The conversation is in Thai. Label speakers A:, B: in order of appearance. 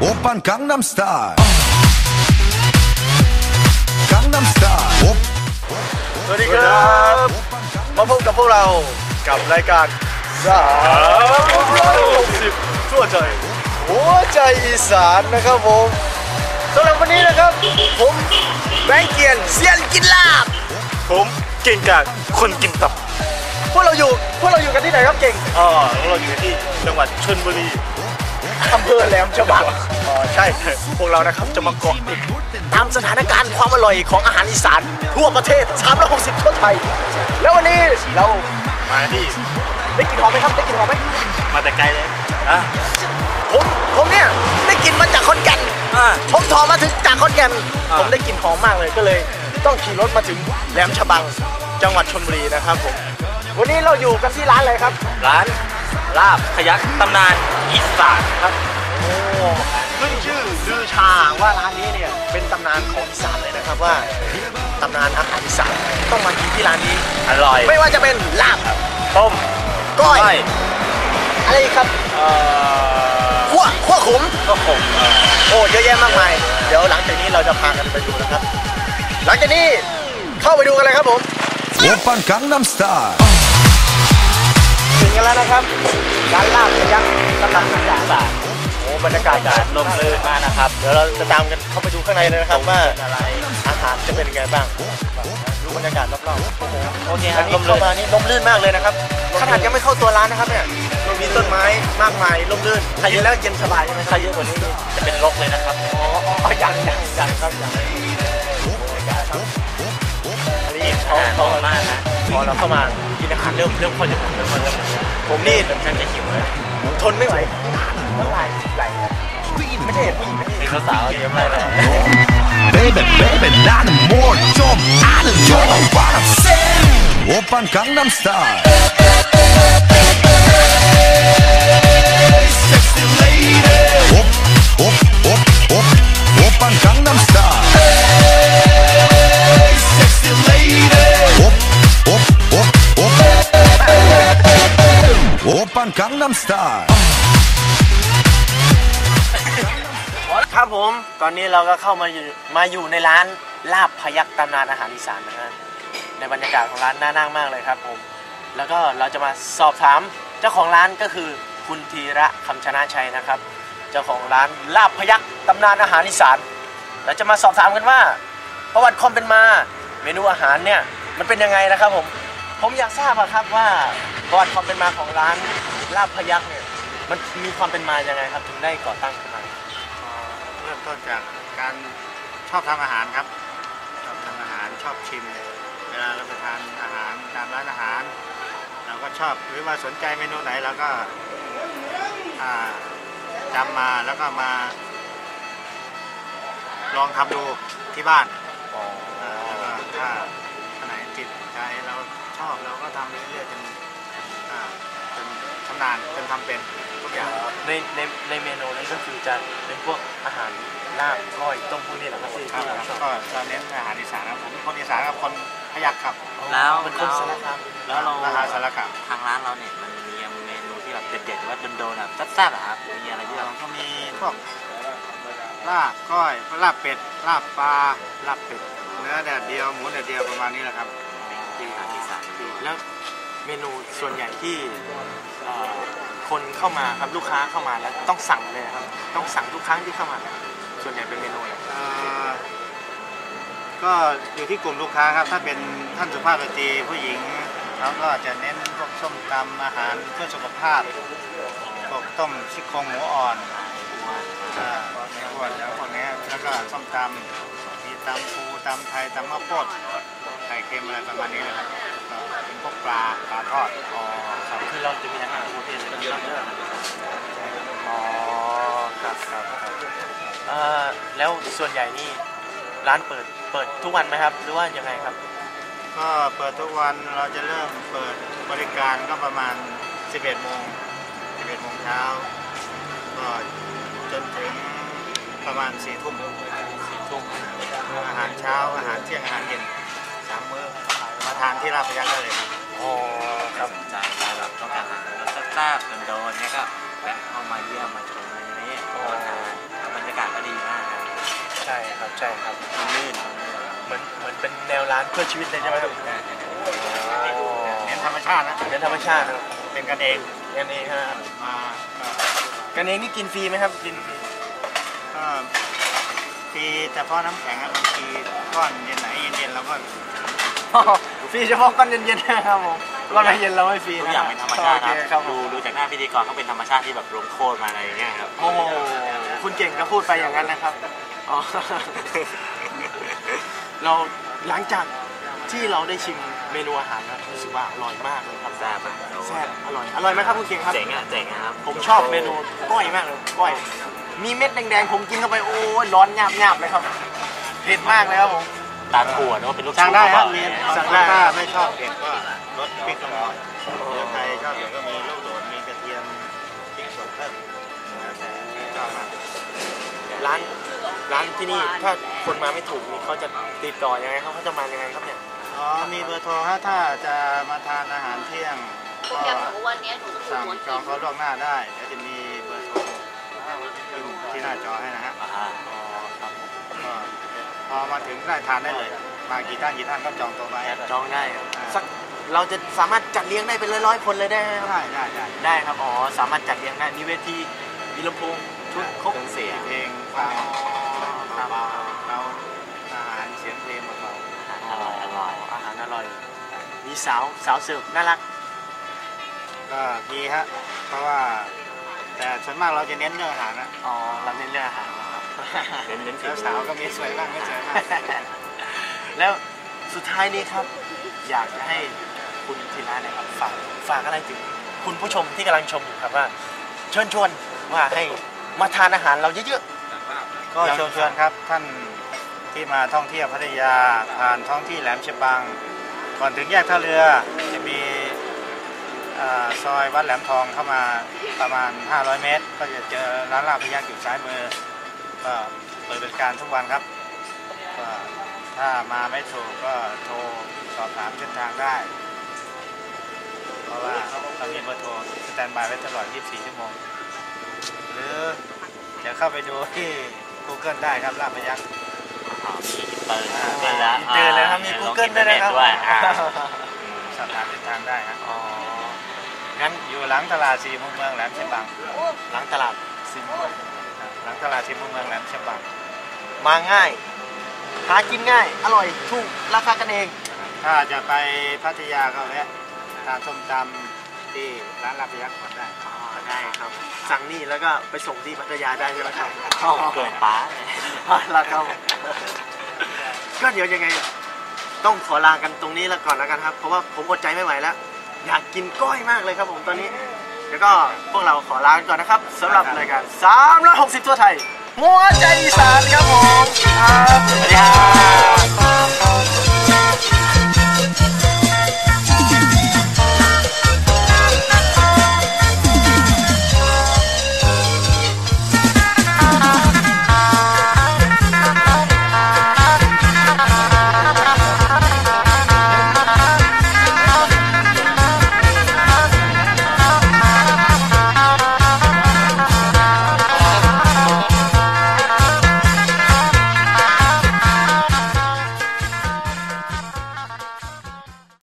A: 오빤 강남스타일 강남스타일
B: สวัสดีครับมาพบกับพวกเรากับรายการ360ทั่วใจหัวใจอีสานนะครับผมสำหรับวันนี้นะครับผมแบงค์เกียนเซียนกินลาบผมเก่งกาจคนกินตับพวกเราอยู่กันที่ไหนครับเก่งพวกเราอยู่ที่จังหวัดชลบุรีอำเภอแหลมฉบังใช่พวกเรานะครับจะมาเกาะติดตามสถานการณ์ความอร่อยของอาหารอีสานทั่วประเทศ360ทั่วไทยแล้ววันนี้เรามาที่ได้กินหอมไหมครับได้กินหอมไหมมาแต่ไกลเลยผมเนี่ยได้กินมาจากขอนแก่นผมถอมาถึงจากขอนแก่นผมได้กินหอมมากเลยก็เลยต้องขี่รถมาถึงแหลมฉบังจังหวัดชลบุรีนะครับผมวันนี้เราอยู่กันที่ร้านอะไรครับร้านลาบพยัคฆ์ตำนานอีสานครับโอ้ขึ้นชื่อลือชาว่าร้านนี้เนี่ยเป็นตำนานของอีสานเลยนะครับว่าตำนานอาหารอีสานต้องมากินที่ร้านนี้อร่อยไม่ว่าจะเป็นลาบต้มก้อยอะไรครับขั้วขมโอ้เยอะแยะมากมายเดี๋ยวหลังจากนี้เราจะพากันไปดูนะครับหลังจากนี้เข้าไปดูกันเลยครับผม
A: 오빤 강남스타일
B: ถึงกันแล้วนะครับร้านลาบพยัคฆ์ตำนานอีสานโอ้บรรยากาศลมลื่นมากนะครับเดี๋ยวเราจะตามกันเข้าไปดูข้างในเลยนะครับว่าอาหารจะเป็นยังไงบ้างดูบรรยากาศรอบๆโอเคครับเข้ามานี่ลมลื่นมากเลยนะครับขนาดยังไม่เข้าตัวร้านนะครับเนี่ยมีต้นไม้มากมายลมลื่นกินแล้วเย็นสบายใช่ไหมใครเยอะกว่านี้จะเป็นรกเลยนะครับอ๋อยังครับยังอันนี้เขามากนะพอเราเข้ามากินอาหารเริ่มพอจะผมนี่ฉันจะหิวเลยทนไม่ไหวน้ำลายไหลไม่ใช่ผู้หญิงเป็นสาวเยอะมากเลย
A: Baby 나는 뭘 좀 아는 You know what I'm saying 오빤 강남스타일 Sexy lady 오빤 강남스타일 Sexy lady 오빤 강남스타일 ครับผมตอนนี้เราก็เข้ามาอยู่ในร้านลาบพยัคฆ์ตำนานอาหารอีสานนะฮะในบรรยากาศของร้านน่านั่งมากเลยครับผมแล้วก็เราจะมาสอบถามเจ้าของร้านก็คือคุณธีระคำชนะชัยนะครับเจ้าของร้านลาบพยัคฆ์ตำนานอาหารอีสานเราจะมาสอบถามกันว่าประวัติความเป็นมาเมนูอาหารเนี่ยมันเป็นยังไงนะครับผมอยากทราบครับว่าประวัติความเป็นมาของร้านลาบพยัคฆ์เนี่ยมันมีความเป็นมายังไงครับถึงได้ก่อตั้งขึ้นมา
C: เริ่มต้นจากการชอบทำอาหารครับชอบทำอาหารชอบชิมเวลาเราไปทานอาหารตามร้านอาหารเราก็ชอบหรือว่าสนใจเมนูไหนเราก็จำมาแล้วก็มาลองทำดูที่บ้านแล้วก็ถ้าอันไหนจิตใจเราชอบเราก็ทำเรื่อยๆจนชำนาญจนทำเป็นทุกอย่าง
B: ในเมนูนี้ก็คือจะเป็นพวกอาหารลาบก้อยต้มพวกนี้แหละครับที่เราชอบ
C: ก็จะเน้นอาหารอีสานครับผมเป็นคนอีสานกับคนพยัคฆ์ครับ
B: แล้วเป็นคนสารคาม
C: แล้วเราอาหารสารคาม
D: ทางร้านเราเนี่ยมันมีเมนูที่แบบเด็ดๆว่าโดนๆแบบแซ่บๆครับมีอะไรที่เรา
C: ก็มีพวกลาบก้อยลาบเป็ดลาบปลาลาบเป็ดเนื้อแดดเดียวหมูแดดเดียวประมาณนี้แหละครับ
D: ที่อาหารอีสาน
B: แล้วเมนูส่วนใหญ่ที่คนเข้ามาครับลูกค้าเข้ามาแล้วต้องสั่งเลยครับต้องสั่งทุกครั้งที่เข้ามาส่วนใหญ่เป็นเมนูอะไร
C: ก็อยู่ที่กลุ่มลูกค้าครับถ้าเป็นท่านสุภาพสตรีผู้หญิงเขาก็จะเน้นพวกส้มตำอาหารเพื่อสุขภาพพวกต้มซี่โครงหมูอ่อนในขวดแล้วพวกนี้แล้วก็ส้มตำมีตำปูตำไทยตำมะโพดไข่เค็มอะไรประมาณนี้นะครับก็เป็นพวกปลาทอด
B: ครับคือเราจะมีอาหารทุกประเภทเลยครับแล้วส่วนใหญ่นี่ร้านเปิดทุกวันไหมครับหรือว่ายังไงครับ
C: ก็เปิดทุกวันเราจะเริ่มเปิดบริการก็ประมาณ11 โมงเช้าก็จนถึงประมาณ4 ทุ่มอาหารเช้าอาหารเที่ยงอาหารเย็น3 มื้อมาทานที่ลาบพยัคฆ์ได้เลยครับ
D: ครับสนใจแบบต้องการอาหารรสแซ่บๆโดนๆเนี่ยก็แวะเข้ามาเยี่ยมมาชมในนี้มาทานบรรยากาศก็ดีมากครับ
A: ใช่ครับใช่ครับลื่นเหมือนเป็นแนวร้านเพื่อชีวิตเลยใช่ไหมครับ
C: เน้นธรรมชาตินะ
A: เป็นธรรมชาติครับ
C: เป็นกันเอง
A: กันเองครับ
C: มาก็
A: กันเองนี่กินฟรีไหมครับกินฟรี
C: ก็ตีเฉพาะน้ำแข็งอะบางทีก้อนเย็นไหนเย็นๆเราก็
A: ฟรีเฉพาะก้อนเย็นๆนะครับผมก้อนเย็นเราไม่ฟรี
D: ทุก
A: นะ
D: อย่างเป็นธรรมชาติ
A: โอเค
D: ค
A: ครั
D: รั
A: บบ
D: ดูจากหน้าพิธีกรเขาเป็นธรรมชาติที่แบบลงโทษมาอะไรอย่างเงี้ยครับ
A: โอ้โหคุณเก่งก็พูดไปอย่างนั้นนะครับอ๋อ เราหลังจากที่เราได้ชิมเมนูอาหารนะรู้สึกว่าอร่อยมากเลยครับ
D: แซ่บอะ
A: แซ่บอร่อยไหมครับคุณเก่งครับ
D: เจ๋งอะเจ๋งอะครับ
A: ผมชอบเมนูก้อยมากเลยก้อย มีเม็ดแดงๆผมกินเข้าไปโอ้ยร้อนหยาบๆเลยครับเผ็ดมากเลยครับผม
D: ตาถั่วหรือว่าเป็นลูก
C: สั่งได้ครับ
D: ชุ
C: มี
A: สั่งได้
C: ถ้าไม่ชอบเผ็ดก็ลดพริกลงหน่อยหรือใครชอบเผ็ดก็มีลูกโดดมีกระเทียมพริกสดเพิ่มแล้วแต่ชอบมาก
A: ร้านที่นี่ถ้าคนมาไม่ถูกนี่เขาจะติดต่อยังไงเขาจะมายังไงครับเนี่ย
C: อ๋อมีเบอร์โทรฮะถ้าจะมาทานอาหารเที่ยงก็
E: อย่างหนูวันนี้หนูต้องดู
C: สั่ง
E: หัว
C: จองเขาล่วงหน้าได้เดี๋ยวจะมีเบอร์โทรขึ้นที่หน้าจอให้นะฮะ
D: อ่า
C: ก็พอมาถึงได้ทานได้เลย มากี่ท่านก็จองตัวไว้
A: จองได้ครับสักเราจะสามารถจัดเลี้ยงได้เป็นร้อยๆคนเลยได้ไหมครับ
C: ได้
A: ได้ครับอ๋อสามารถจัดเลี้ยงได้มีเวทีมีลำโพงชุดครบ
D: เครื่องเสียง
C: เพลงฟังเบาๆเราอาหารเสียงเพลงเบา
D: อร่อยอร่อย
A: อาหารอร่อยมีสาวเสิร์ฟน่ารัก
C: ๆก็มีฮะเพราะว่าแต่ส่วนมากเราจะเน้นเรื่องอาหารนะ
A: อ๋อเราเน้นเรื่องอาหารนะครับ
D: เน้นฝี
C: แล้ว
D: มือ
C: สาวก็มีสวยบ้างไม่สวยบ้าง
A: แล้วสุดท้ายนี้ครับ อยากจะให้คุณธีระเนี่ยครับฝากอะไรถึงคุณผู้ชมที่กำลังชมอยู่ครับว่าเชิญชวนว่าให้มาทานอาหารเราเยอะ
C: ก็เชิญชวนครับท่านที่มาท่องเที่ยวพัทยาผ่านท้องที่แหลมฉบัง ก่อนถึงแยกท่าเรือจะมีซอยวัดแหลมทองเข้ามาประมาณ500 เมตร ก็จะเจอร้านลาบพยักอยู่ซ้ายมือก็เปิดบริการทุกวันครับก็ถ้ามาไม่ถูกก็โทรสอบถามเส้นทางได้ เพราะว่าเรามีเบอร์โทรสแตนบายไว้ตลอด 24 ชั่วโมง หรือจะเข้าไปดูที่ Google ได้ครับลาบพยัก
D: มีอินเตอร์Google แล้ว
A: ๆเจอเลยครับมี Google ด้วยนะครับ
D: ด้วยอ่า
C: สอบถามเส้นทางได้ครับ
A: อ๋องั้น
C: อยู่หลังตลาดสี่มุมเมืองแหลมฉบัง
A: หลังตลาดซิมวย
C: หลังตลาดสี่มุมเมืองแหลมฉบัง
A: มาง่ายหากินง่าย อร่อยถูกราคากันเอง
C: ถ้าจะไปพัทยาก็แวะทานส้มตำที่ร้านลาบพยักก่อนได้
A: อ๋อได้ครับ สั่งนี่แล้วก็ไปส่งที่พัทยาได้ใช่ไหมครับ
D: เกินป้าเลย
A: แล้วครับก็เดี๋ยวยังไง ต้องขอลากันตรงนี้แล้วก่อนแล้วกันครับ เพราะว่าผมอดใจไม่ไหวแล้ว อยากกินก้อยมากเลยครับผมตอนนี้ แล้วก็พวกเราขอลากันก่อนนะครับสำหรับรายการ360ทั่วไทยหัวใจอีสานครับผมครับ
D: สวัสดีครับ